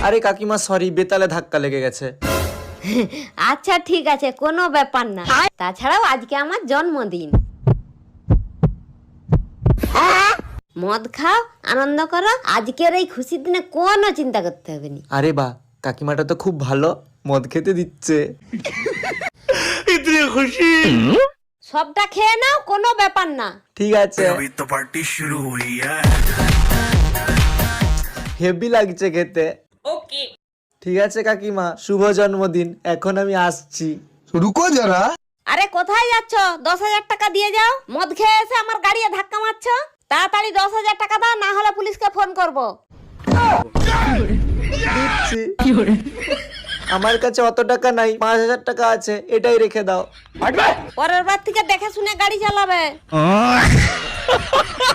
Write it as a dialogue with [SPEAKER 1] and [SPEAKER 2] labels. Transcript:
[SPEAKER 1] আরে কাকিমা সরি, বেতালে ধাক্কা লেগে গেছে।
[SPEAKER 2] আচ্ছা ঠিক আছে, কোনো ব্যাপার না। তাছাড়াও আজকে আমার জন্মদিন। মদ খাও, আনন্দ করো, আজকের এই খুশির দিনে কোনো চিন্তা করতে হবে না।
[SPEAKER 1] আরে বাহ, কাকিমাটা তো খুব ভালো, মদ খেতে দিচ্ছে।
[SPEAKER 2] সবটা খেয়ে নাও, কোনো ব্যাপার না।
[SPEAKER 1] ঠিক আছে। হেভি লাগছে খেতে।
[SPEAKER 2] ওকে।
[SPEAKER 1] ঠিক আছে কাকিমা, শুভ জন্মদিন, এখন আমি আসছি।
[SPEAKER 3] रुको जरा।
[SPEAKER 2] আরে কোথায় যাচ্ছ? 10,000 টাকা দিয়ে যাও। মদ খেয়ে এসে আমার গাড়ি ধাক্কা মারছো। তাড়াতাড়ি 10,000 টাকা দাও, না হলে পুলিশকে ফোন করব।
[SPEAKER 1] দিচ্ছি। আমার কাছে অত টাকা নাই, 5,000 টাকা আছে, এটাই রেখে দাও।
[SPEAKER 2] পরের বার থেকে দেখে শুনে গাড়ি চালাবে।